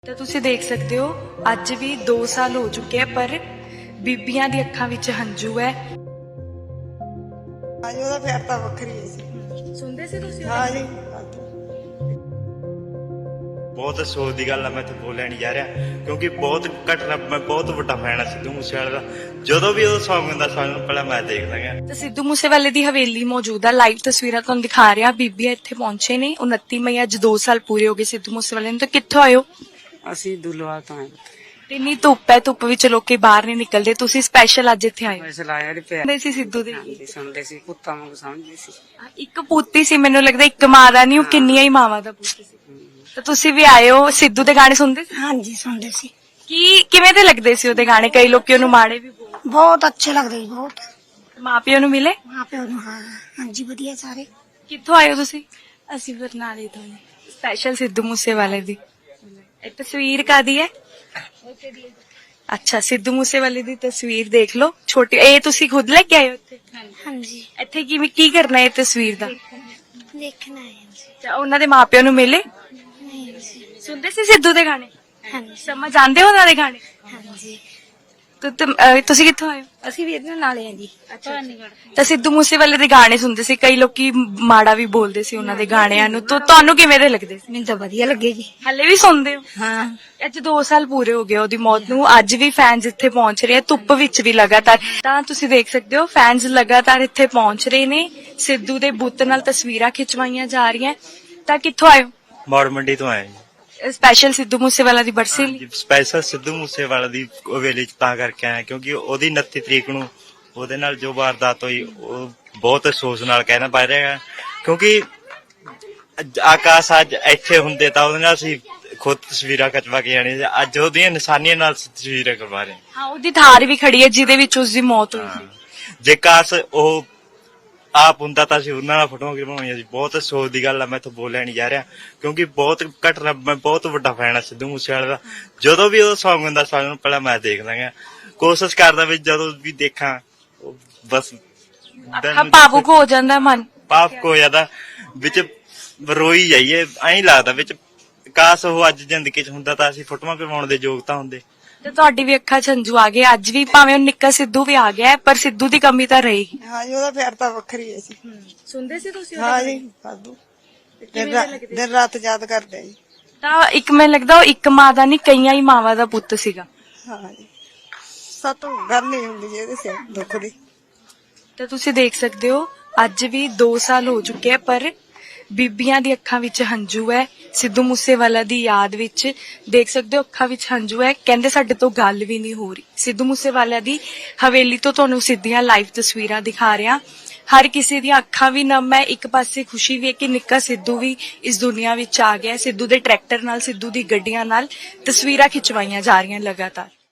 ਤਾਂ ਤੁਸੀਂ ਦੇਖ ਸਕਦੇ ਹੋ ਅੱਜ ਵੀ 2 ਸਾਲ ਹੋ ਚੁੱਕੇ ਆ ਪਰ ਬੀਬੀਆਂ ਦੀ ਅੱਖਾਂ ਵਿੱਚ ਹੰਝੂ ਹੈ। ਹਾਂਜੀ ਉਹਦਾ ਪਿਆਰ ਤਾਂ ਵੱਖਰੀ ਹੈ ਜੀ। ਸੁਣਦੇ ਸੀ ਤੁਸੀਂ? ਹਾਂ ਜੀ ਬਹੁਤ ਅਫਸੋਸ ਦੀ ਗੱਲ ਆ, ਮੈਂ ਇੱਥੇ ਬੋਲਿਆ ਨਹੀਂ ਜਾ ਰਿਹਾ ਕਿਉਂਕਿ ਬਹੁਤ ਘਟਨਾ, ਮੈਂ ਬਹੁਤ ਵੱਡਾ ਫੈਨ ਆ ਸਿੱਧੂ ਮੂਸੇਵਾਲੇ ਦਾ। ਜਦੋਂ ਵੀ ਉਹ ਸੌਂਗ ਹੁੰਦਾ ਸਾਨੂੰ ਪਹਿਲਾਂ ਮੈਂ ਦੇਖਦਾ ਗਿਆ। ਤਾਂ ਸਿੱਧੂ ਮੂਸੇਵਾਲੇ ਦੀ ਹਵੇਲੀ ਮੌਜੂਦ ਆ, ਲਾਈਵ ਤਸਵੀਰਾਂ ਤੁਹਾਨੂੰ ਦਿਖਾ ਰਿਹਾ। ਬੀਬੀਆਂ ਇੱਥੇ ਪਹੁੰਚੇ ਨੇ 29 ਮਈ, ਅੱਜ 2 ਸਾਲ ਪੂਰੇ ਹੋ ਗਏ ਸਿੱਧੂ ਮੂਸੇਵਾਲੇ ਨੂੰ। ਤਾਂ ਕਿੱਥੋਂ ਆਇਓ? ਅਸੀਂ ਦੁਲਵਾਲ ਤੋਂ ਆਏ। ਤੇ ਇੰਨੀ ਧੁੱਪ ਹੈ, ਧੁੱਪ ਵਿੱਚ ਲੋਕੀ ਬਾਹਰ ਨਹੀਂ ਨਿਕਲਦੇ, ਤੁਸੀਂ ਸਪੈਸ਼ਲ ਅੱਜ ਇੱਥੇ ਆਏ ਹੋ। ਵੈਸੇ ਲਾਇਆ ਨੀ ਪਿਆ। ਸੁਣਦੇ ਸੀ ਸਿੱਧੂ ਦੇ? ਹਾਂਜੀ ਸੁਣਦੇ ਸੀ, ਪੁੱਤਾਂ ਵਾਂਗ ਸਮਝਦੇ ਸੀ। ਇੱਕ ਪੁੱਤੀ ਸੀ, ਮੈਨੂੰ ਲੱਗਦਾ ਇੱਕ ਮਾਂ ਦਾ ਨਹੀਂ, ਉਹ ਕਿੰਨੀਆਂ ਹੀ ਮਾਵਾਂ ਦਾ ਪੁੱਤ ਸੀ। ਤਾਂ ਤੁਸੀਂ ਵੀ ਆਏ ਹੋ, ਸਿੱਧੂ ਦੇ ਗਾਣੇ ਸੁਣਦੇ ਸੀ? ਹਾਂਜੀ ਸੁਣਦੇ ਸੀ। ਕਿਵੇਂ ਦੇ ਲੱਗਦੇ ਸੀ ਉਹਦੇ ਗਾਣੇ? ਕਈ ਲੋਕੀ ਉਹਨੂੰ ਮਾੜੇ ਵੀ ਬੋਲਦੇ। ਬਹੁਤ ਅੱਛੇ ਲੱਗਦੇ ਸੀ, ਬਹੁਤ। ਮਾਪਿਆਂ ਨੂੰ ਮਿਲੇ? ਮਾਂ ਪਿਓ ਨੂੰ ਹਾਂ ਹਾਂਜੀ ਵਧੀਆ ਸਾਰੇ। ਕਿੱਥੋਂ ਆਏ ਹੋ ਤੁਸੀਂ? ਅਸੀਂ ਬਰਨਾਲੇ ਤੋਂ ਨੇ। ਸਪੈਸ਼ਲ ਸਿੱਧੂ ਮੂਸੇਵਾਲੇ ਦੀ ਇਹ ਤਸਵੀਰ ਕਾਦੀ ਹੈ? ਅੱਛਾ, ਸਿੱਧੂ ਮੂਸੇਵਾਲੇ ਦੀ ਤਸਵੀਰ ਦੇਖ ਲਓ ਛੋਟੀ। ਇਹ ਤੁਸੀਂ ਖੁਦ ਲੈ ਕੇ ਆਏ ਹੋ ਇੱਥੇ? ਹਾਂਜੀ ਇੱਥੇ ਕੀ ਕਰਨਾ ਹੈ ਇਹ ਤਸਵੀਰ ਦਾ? ਦੇਖਣਾ ਹੈ ਜੀ। ਅੱਛਾ, ਉਹਨਾਂ ਦੇ ਮਾਪਿਆਂ ਨੂੰ ਮਿਲੇ? ਨਹੀਂ ਜੀ। ਸੁਣਦੇ ਸੀ ਸਿੱਧੂ ਦੇ ਗਾਣੇ? ਹਾਂਜੀ ਸਮਝ ਆਉਂਦੇ ਹੋ ਉਹਨਾਂ ਦੇ ਗਾਣੇ? ਹਾਂਜੀ ਤੁਸੀਂ ਕਿੱਥੋਂ ਆਏ ਹੋ? ਅਸੀਂ ਵੀ ਇਹਦੇ ਨਾਲੇ ਆ ਜੀ। ਤਾਂ ਸਿੱਧੂ ਮੂਸੇਵਾਲੇ ਦੇ ਗਾਣੇ ਸੁਣਦੇ ਸੀ, ਕਈ ਲੋਕੀ ਮਾੜਾ ਵੀ ਬੋਲਦੇ ਸੀ ਉਹਨਾਂ ਦੇ ਗਾਣਿਆਂ ਨੂੰ, ਤਾਂ ਤੁਹਾਨੂੰ ਕਿਵੇਂ ਦੇ ਲੱਗਦੇ ਸੀ? ਮੈਨੂੰ ਤਾਂ ਵਧੀਆ ਲੱਗੇ ਜੀ। ਹਲੇ ਵੀ ਸੁਣਦੇ ਹੋ? ਹਾਂ ਅੱਜ 2 ਸਾਲ ਪੂਰੇ ਹੋ ਗਏ ਉਹਦੀ ਮੌਤ ਨੂੰ, ਅੱਜ ਵੀ ਫੈਨਸ ਇੱਥੇ ਪਹੁੰਚ ਰਹੇ ਆ, ਧੁੱਪ ਵਿੱਚ ਵੀ ਲਗਾਤਾਰ। ਤਾਂ ਤੁਸੀਂ ਦੇਖ ਸਕਦੇ ਹੋ ਫੈਨਸ ਲਗਾਤਾਰ ਇੱਥੇ ਪਹੁੰਚ ਰਹੇ ਨੇ, ਸਿੱਧੂ ਦੇ ਬੁੱਤ ਨਾਲ ਤਸਵੀਰਾਂ ਖਿਚਵਾਈਆਂ ਜਾ ਰਹੀਆਂ। ਤਾਂ ਕਿੱਥੋਂ ਆਏ ਹੋ? ਮੌੜ ਮੰਡੀ ਤੋਂ ਆਏ ਜੀ। ਸਪੈਸ਼ਲ ਸਿੱਧੂ ਮੂਸੇਵਾਲਾ ਦੀ ਬਰਸੀ ਲਈ? ਸਪੈਸ਼ਲ ਸਿੱਧੂ ਮੂਸੇਵਾਲੇ ਦੀ ਹਵੇਲੀ ਚ ਤਾਂ ਕਰਕੇ ਆਇਆ ਕਿਉਂਕਿ ਉਹਦੀ 29 ਤਰੀਕ ਨੂੰ ਉਹਦੇ ਨਾਲ ਜੋ ਵਾਰਦਾਤ ਹੋਈ, ਉਹ ਬਹੁਤ ਅਫਸੋਸ ਨਾਲ ਕਹਿਣਾ ਪੈ ਰਿਹਾ ਕਿਉਂਕਿ ਆਕਾਸ਼ ਅੱਜ ਇੱਥੇ ਹੁੰਦੇ ਤਾਂ ਉਹਦੇ ਨਾਲ ਅਸੀਂ ਖੁਦ ਤਸਵੀਰਾਂ ਖਿਚਵਾ ਕੇ ਆਣੀ, ਅੱਜ ਉਹਦੀਆਂ ਨਿਸ਼ਾਨੀਆਂ ਨਾਲ ਤਸਵੀਰਾਂ ਕਰਵਾ ਰਹੇ ਹਾਂ, ਉਹਦੀ ਥਾਰ ਵੀ ਖੜੀ ਹੈ ਜਿਹਦੇ ਵਿੱਚ ਉਸ ਦੀ ਮੌਤ ਹੋਈ ਸੀ। ਜੇ ਕਾਸ਼ ਉਹ ਆਪ ਹੁੰਦਾ ਤਾਂ ਅਸੀਂ ਉਹਨਾਂ ਨਾਲ ਫੋਟੋਆਂ ਕਰਵਾਉਣੀਆਂ ਸੀ। ਬਹੁਤ ਅਫਸੋਸ ਦੀ ਗੱਲ ਆ, ਮੈਂ ਇੱਥੇ ਬੋਲਿਆ ਨਹੀਂ ਜਾ ਰਿਹਾ ਕਿਉਂਕਿ ਬਹੁਤ ਘਟਨਾ, ਮੈਂ ਬਹੁਤ ਵੱਡਾ ਫੈਨ ਆ ਸਿੱਧੂ ਮੂਸੇਵਾਲੇ ਦਾ। ਜਦੋਂ ਵੀ ਉਹ ਸੌਂਗ ਹੁੰਦਾ ਸਾਨੂੰ ਪਹਿਲਾਂ ਮੈਂ ਦੇਖਦਾ ਗਿਆ। ਕੋਸ਼ਿਸ਼ ਕਰਦਾ ਵੀ ਜਦੋਂ ਵੀ ਦੇਖਾਂ ਬਸ ਅੱਖਾਂ ਭਾਵੁਕ ਹੋ ਜਾਂਦਾ ਮਨ। ਪਾਪ ਕੋ ਜ਼ਿਆਦਾ ਵਿੱਚ ਰੋਈ ਜਾਈਏ, ਐਂ ਲੱਗਦਾ ਵਿੱਚ ਕਾਸ਼ ਉਹ ਅੱਜ ਜ਼ਿੰਦਗੀ ਚ ਹੁੰਦਾ ਤਾਂ ਅਸੀਂ ਫੋਟੋਆਂ ਕਰਵਾਉਣ ਦੇ ਯੋਗ ਤਾਂ ਹੁੰਦੇ। ਤੇ ਤੁਹਾਡੀ ਵੀ ਅੱਖਾਂ 'ਚ ਹੰਝੂ ਆ ਗਏ ਅੱਜ ਵੀ, ਭਾਵੇਂ ਉਹ ਨਿੱਕਾ ਸਿੱਧੂ ਵੀ ਆ ਗਿਆ ਹੈ, ਪਰ ਸਿੱਧੂ ਦੀ ਕਮੀ ਤਾਂ ਰਹੇਗੀ। ਹਾਂਜੀ ਉਹਦਾ ਪਿਆਰ ਤਾਂ ਵੱਖਰੀ ਹੈ ਜੀ। ਸੁਣਦੇ ਸੀ ਤੁਸੀਂ? ਹਾਂ ਜੀ ਸਾਧੂ ਦਿਨ ਰਾਤ ਯਾਦ ਕਰਦੇ ਆ ਜੀ। ਤਾਂ ਇੱਕ ਮੈਨੂੰ ਲੱਗਦਾ ਉਹ ਇੱਕ ਮਾਂ ਦਾ ਨਹੀਂ, ਕਈਆਂ ਹੀ ਮਾਵਾਂ ਦਾ ਪੁੱਤ ਸੀਗਾ। ਹਾਂ ਜੀ ਸਾਤੋਂ ਗੱਲ ਨਹੀਂ ਹੁੰਦੀ ਜੀ ਇਹਦੇ ਸਿਰ ਦੁੱਖ ਦੀ। ਤਾਂ ਤੁਸੀਂ ਦੇਖ ਸਕਦੇ ਹੋ ਅੱਜ ਵੀ 2 ਸਾਲ ਹੋ ਚੁੱਕੇ ਆ ਪਰ ਬੀਬੀਆਂ ਦੀ ਅੱਖਾਂ ਵਿੱਚ ਹੰਝੂ ਹੈ। ਸਿੱਧੂ ਮੂਸੇਵਾਲਾ ਦੀ ਯਾਦ ਵਿੱਚ ਦੇਖ ਸਕਦੇ ਹੋ ਅੱਖਾਂ ਵਿੱਚ ਹੰਝੂ ਹੈ। ਕਹਿੰਦੇ ਸਾਡੇ ਤੋਂ ਗੱਲ ਵੀ ਨਹੀਂ ਹੋ ਰਹੀ। ਸਿੱਧੂ ਮੂਸੇਵਾਲਾ ਦੀ ਹਵੇਲੀ ਤੋਂ ਤੁਹਾਨੂੰ ਸਿੱਧੀਆਂ ਲਾਈਵ ਤਸਵੀਰਾਂ ਦਿਖਾ ਰਿਹਾ। ਹਰ ਕਿਸੇ ਦੀਆਂ ਅੱਖਾਂ ਵੀ ਨਮ ਹੈ, ਇੱਕ ਪਾਸੇ ਖੁਸ਼ੀ ਵੀ ਹੈ ਕਿ ਨਿੱਕਾ ਸਿੱਧੂ ਵੀ ਇਸ ਦੁਨੀਆ ਵਿੱਚ ਆ ਗਿਆ। ਸਿੱਧੂ ਦੇ ਟਰੈਕਟਰ ਨਾਲ, ਸਿੱਧੂ ਦੀ ਗੱਡੀਆਂ ਨਾਲ ਤਸਵੀਰਾਂ ਖਿਚਵਾਈਆਂ ਜਾ ਰਹੀਆਂ ਲਗਾਤਾਰ।